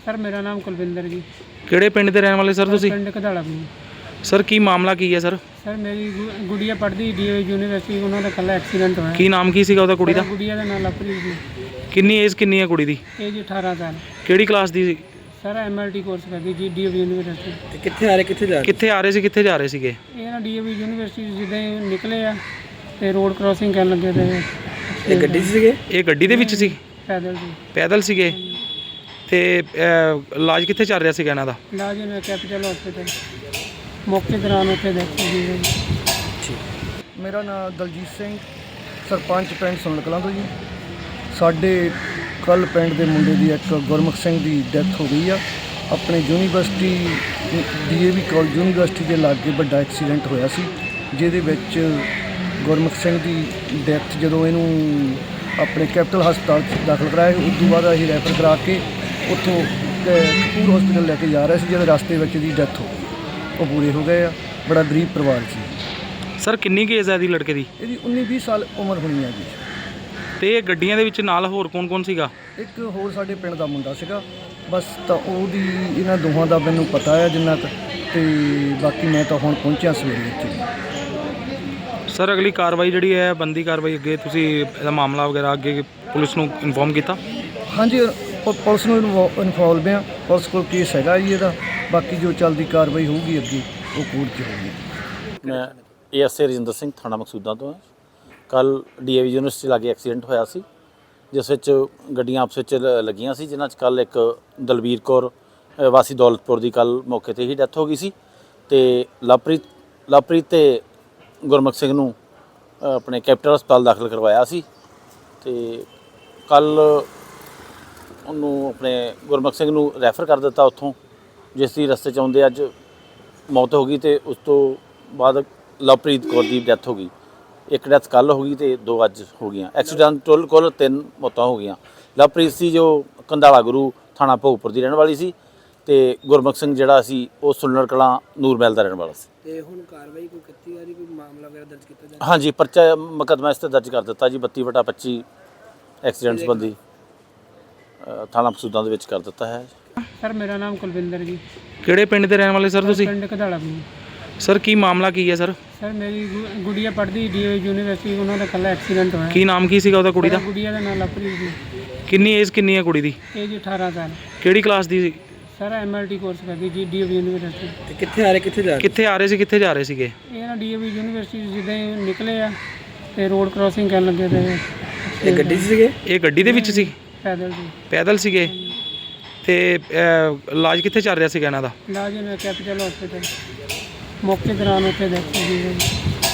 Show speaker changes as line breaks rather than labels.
Sir मेरा नाम कुलविंदर जी।
ਕਿਹੜੇ ਪਿੰਡ ਦੇ ਰਹਿਣ ਵਾਲੇ ਸਰ ਤੁਸੀਂ?
पिंड कधाड़ा भी।
ਸਰ ਕੀ ਮਾਮਲਾ ਕੀ ਹੈ ਸਰ?
सर मेरी गुड़िया पढ़ती DAV यूनिवर्सिटी, उन्होंने कल एक्सीडेंट होया।
ਕੀ ਨਾਮ ਕੀ ਸੀਗਾ ਉਹਦਾ ਕੁੜੀ ਦਾ?
गुड़िया का नाम लवप्रीत जी।
ਕਿੰਨੀ ਏਜ ਕਿੰਨੀ ਹੈ ਕੁੜੀ ਦੀ?
एज 18 साल।
ਕਿਹੜੀ ਕਲਾਸ ਦੀ ਸੀ?
सर MLT कोर्स करती जी DAV यूनिवर्सिटी।
ਕਿੱਥੇ ਆ ਰਹੇ ਸੀ, ਕਿੱਥੇ ਜਾ ਰਹੇ ਸੀਗੇ?
ये ना DAV यूनिवर्सिटी जिद्दां ही निकले आ ते रोड क्रॉसिंग करन लगे थे।
ਇਹ ਗੱਡੀ 'ਚ ਸੀਗੇ? ਇਹ ਗੱਡੀ ਦੇ ਵਿੱਚ ਸੀ?
पैदल जी।
ਪੈਦਲ ਸੀਗੇ ਤੇ ਇਲਾਜ ਕਿੱਥੇ ਚੱਲ ਰਿਹਾ ਸੀਗਾ ਇਹਨਾਂ ਦਾ?
इलाज इन्हें कैपिटल हॉस्पिटल मौके दौरान उत्थे देखो जी।
ਮੇਰਾ ਨਾਮ ਦਲਜੀਤ ਸਿੰਘ, ਸਰਪੰਚ ਪਿੰਡ ਸੁਣਨ ਕਲਾਂ ਤੋਂ ਜੀ। ਸਾਡੇ ਕੱਲ ਪਿੰਡ ਦੇ ਮੁੰਡੇ ਦੀ ਇੱਕ ਗੁਰਮੁਖ ਸਿੰਘ ਦੀ ਡੈਥ ਹੋ ਗਈ ਆ। ਆਪਣੇ ਯੂਨੀਵਰਸਿਟੀ DAV ਕਾਲਜ ਯੂਨੀਵਰਸਿਟੀ ਦੇ ਲਾਗੇ ਵੱਡਾ ਐਕਸੀਡੈਂਟ ਹੋਇਆ ਸੀ, ਜਿਹਦੇ ਵਿੱਚ ਗੁਰਮੁਖ ਸਿੰਘ ਦੀ ਡੈਥ ਜਦੋਂ ਇਹਨੂੰ ਆਪਣੇ ਕੈਪੀਟਲ ਹਸਪਤਾਲ 'ਚ ਦਾਖਲ ਕਰਾਇਆ, ਉਸ ਤੋਂ ਬਾਅਦ ਅਸੀਂ ਰੈਫਰ ਕਰਾ ਕੇ ਉੱਥੋਂ ਕਪੂਰ ਹਸਪੀਟਲ ਲੈ ਕੇ ਜਾ ਰਹੇ ਸੀ, ਜਦੋਂ ਰਸਤੇ ਵਿੱਚ ਦੀ ਡੈਥ ਹੋ ਗਈ। ਉਹ ਪੂਰੇ ਹੋ ਗਏ ਆ। ਬੜਾ ਗਰੀਬ ਪਰਿਵਾਰ ਸੀ।
ਸਰ ਕਿੰਨੀ ਕੁ ਏਜ ਹੈ ਇਹਦੀ ਲੜਕੇ ਦੀ?
ਇਹਦੀ 19-20 ਸਾਲ ਉਮਰ ਹੋਣੀ ਆ ਜੀ।
ਤੇ ਇਹ ਗੱਡੀਆਂ ਦੇ ਵਿੱਚ ਨਾਲ ਹੋਰ ਕੌਣ ਸੀਗਾ?
ਇੱਕ ਹੋਰ ਸਾਡੇ ਪਿੰਡ ਦਾ ਮੁੰਡਾ ਸੀਗਾ ਬਸ। ਤਾਂ ਉਹਦੀ ਇਹਨਾਂ ਦੋਹਾਂ ਦਾ ਮੈਨੂੰ ਪਤਾ ਹੈ ਜਿੰਨਾ ਕੁ, ਤੇ ਬਾਕੀ ਮੈਂ ਤਾਂ ਹੁਣ ਪਹੁੰਚਿਆ ਸਵੇਰੇ ਇੱਥੇ।
ਸਰ ਅਗਲੀ ਕਾਰਵਾਈ ਜਿਹੜੀ ਹੈ ਬੰਦੀ ਕਾਰਵਾਈ ਅੱਗੇ ਤੁਸੀਂ ਇਹਦਾ ਮਾਮਲਾ ਵਗੈਰਾ ਅੱਗੇ ਪੁਲਿਸ ਨੂੰ ਇਨਫੋਰਮ ਕੀਤਾ? ਹਾਂਜੀ
ਪੁਲਿਸ ਨੂੰ ਇਨਫੋਲਵ ਆ। ਪੁਲਿਸ ਕੋਲ ਕੇਸ ਹੈਗਾ ਜੀ ਇਹਦਾ। ਬਾਕੀ ਜੋ ਚੱਲਦੀ ਕਾਰਵਾਈ ਹੋਊਗੀ ਅੱਗੇ ਉਹ ਕੋਰਟ 'ਚ ਹੋਊਗੀ।
ਮੈਂ ASA ਰਜਿੰਦਰ ਸਿੰਘ, ਥਾਣਾ ਮਕਸੂਦਾਂ ਤੋਂ। ਕੱਲ DAV ਯੂਨੀਵਰਸਿਟੀ ਲਾਗੇ ਐਕਸੀਡੈਂਟ ਹੋਇਆ ਸੀ, ਜਿਸ ਵਿੱਚ ਗੱਡੀਆਂ ਆਪਸ ਵਿੱਚ ਲੱਗੀਆਂ ਸੀ, ਜਿਨ੍ਹਾਂ 'ਚ ਕੱਲ ਇੱਕ ਦਲਬੀਰ ਕੌਰ ਵਾਸੀ ਦੌਲਤਪੁਰ ਦੀ ਕੱਲ ਮੌਕੇ 'ਤੇ ਹੀ ਡੈਥ ਹੋ ਗਈ ਸੀ, ਤੇ ਲਵਪ੍ਰੀਤ ਤੇ ਗੁਰਮੁਖ ਸਿੰਘ ਨੂੰ ਆਪਣੇ ਕੈਪੀਟਲ ਹਸਪਤਾਲ ਦਾਖਲ ਕਰਵਾਇਆ ਸੀ। ਤੇ ਕੱਲ ਉਹਨੂੰ ਆਪਣੇ ਗੁਰਮੁਖ ਸਿੰਘ ਨੂੰ ਰੈਫਰ ਕਰ ਦਿੱਤਾ ਉੱਥੋਂ, ਜਿਸ ਦੀ ਰਸਤੇ 'ਚ ਆਉਂਦੇ ਅੱਜ ਮੌਤ ਹੋ ਗਈ, ਤੇ ਉਸ ਤੋਂ ਬਾਅਦ ਲਵਪ੍ਰੀਤ ਕੌਰ ਦੀ ਡੈਥ ਹੋ ਗਈ। ਇੱਕ ਡੈਥ ਕੱਲ ਹੋ ਗਈ ਤੇ 2 ਅੱਜ ਹੋ ਗਈਆਂ। ਐਕਸੀਡੈਂਟ ਕੁੱਲ 3 ਮੌਤਾਂ ਹੋ ਗਈਆਂ। ਲਵਪ੍ਰੀਤ ਸੀ ਜੋ ਕੰਧਾਲਾ ਗੁਰੂ ਥਾਣਾ ਭੋਗਪੁਰ ਦੀ ਰਹਿਣ ਵਾਲੀ ਸੀ, ਤੇ ਗੁਰਮੁਖ ਸਿੰਘ ਜਿਹੜਾ ਸੀ ਉਹ ਸੁਲਨਰ ਕਲਾਂ ਨੂਰਮਹਿਲ ਦਾ ਰਹਿਣ ਵਾਲਾ ਸੀ।
ਤੇ ਹੁਣ ਕਾਰਵਾਈ ਕੋਈ ਕੀਤੀ ਜਾ ਰਹੀ, ਕੋਈ ਮਾਮਲਾ ਵਗੈਰਾ ਦਰਜ ਕੀਤਾ ਜਾ?
ਹਾਂਜੀ, ਪਰਚਾ ਮੁਕੱਦਮਾ ਇਸ 'ਤੇ ਦਰਜ ਕਰ ਦਿੱਤਾ ਜੀ। 32/25 ਐਕਸੀਡੈਂਟ ਸੰਬੰਧੀ ਥਾਣਾ ਮਕਸੂਦਾਂ ਦੇ ਵਿੱਚ ਕਰ ਦਿੱਤਾ ਹੈ।
सर मेरा नाम कुलविंदर जी।
ਕਿਹੜੇ ਪਿੰਡ ਦੇ ਰਹਿਣ ਵਾਲੇ ਸਰ ਤੁਸੀਂ?
पिंड कधाड़ा भी।
ਸਰ ਕੀ ਮਾਮਲਾ ਕੀ ਹੈ ਸਰ?
सर मेरी गुड़िया पढ़ती DAV यूनिवर्सिटी, उन्होंने कल एक्सीडेंट होया।
ਕੀ ਨਾਮ ਕੀ ਸੀਗਾ ਉਹਦਾ ਕੁੜੀ ਦਾ?
गुड़िया का नाम लवप्रीत जी।
ਕਿੰਨੀ ਏਜ ਕਿੰਨੀ ਹੈ ਕੁੜੀ ਦੀ?
एज 18 साल।
ਕਿਹੜੀ ਕਲਾਸ ਦੀ ਸੀ?
सर MLT कोर्स करती जी DAV यूनिवर्सिटी।
ਕਿੱਥੇ ਆ ਰਹੇ ਸੀ, ਕਿੱਥੇ ਜਾ ਰਹੇ ਸੀਗੇ?
ये ना DAV यूनिवर्सिटी जिद्दां ही निकले आ ते रोड क्रॉसिंग करन लगे थे।
ਇਹ ਗੱਡੀ 'ਚ ਸੀਗੇ? ਇਹ ਗੱਡੀ ਦੇ ਵਿੱਚ ਸੀ?
पैदल जी।
ਪੈਦਲ ਸੀਗੇ ਤੇ ਇਲਾਜ ਕਿੱਥੇ ਚੱਲ ਰਿਹਾ ਸੀਗਾ ਇਹਨਾਂ ਦਾ?
इलाज इन्हें कैपिटल हॉस्पिटल मौके दौरान उत्थे देखो जी।